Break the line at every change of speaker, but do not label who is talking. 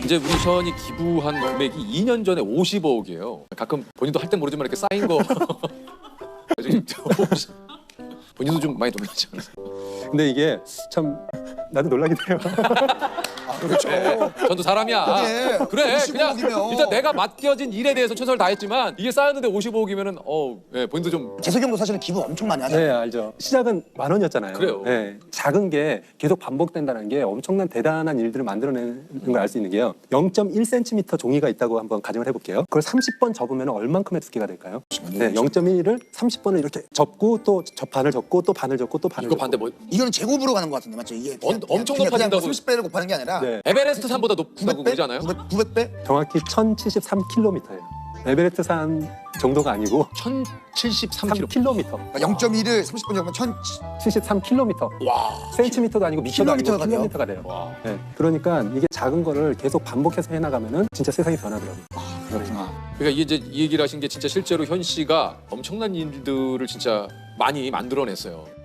이제 우리 션이 기부한 금액이 2년 전에 50억이에요. 가끔 본인도 할 땐 모르지만 이렇게 쌓인 거 본인도 좀 많이 놀라지 않아요?
근데 이게 참 나도 놀라긴 해요.
그렇죠.
전도 사람이야. 그래, 그냥
55억이면.
일단 내가 맡겨진 일에 대해서 최선을 다했지만 이게 쌓였는데 55억이면은 예, 본인도 좀
재석이 형도 사실은 기부 엄청 많이
네,
하잖아요.
알죠. 시작은 10,000원이었잖아요.
그래요.
네, 작은 게 계속 반복된다는 게 엄청난 대단한 일들을 만들어내는 걸 알 수 있는 게요. 0.1cm 종이가 있다고 한번 가정을 해볼게요. 그걸 30번 접으면 얼만큼의 두께가 될까요? 네, 0.1을 30번을 이렇게 접고 또 반을 접고 또 반을 접고 또 반을
이거
접고.
반대 뭐
이거는 제곱으로 가는 것 같은데 맞죠? 이게
엄청
그냥
높아진다고.
30배를 곱하는 게 아니라
네,
에베레스트 산보다 높다고
900배?
그러지 않아요?
900배?
정확히 1,073km예요. 에베레스트 산 정도가 아니고
1,073km.
3km.
그러니까 0.1을 30분 접으면 1000.
73km.
와.
센티미터도 아니고 미터도 아니고
킬로미터가 돼요?
킬로미터가 돼요.
와.
네, 그러니까 이게 작은 거를 계속 반복해서 해나가면은 진짜 세상이 변하더라고요.
그렇구나.
그러니까 이게 이제 이 얘기를 하신 게 진짜 실제로 현 씨가 엄청난 일들을 진짜 많이 만들어냈어요.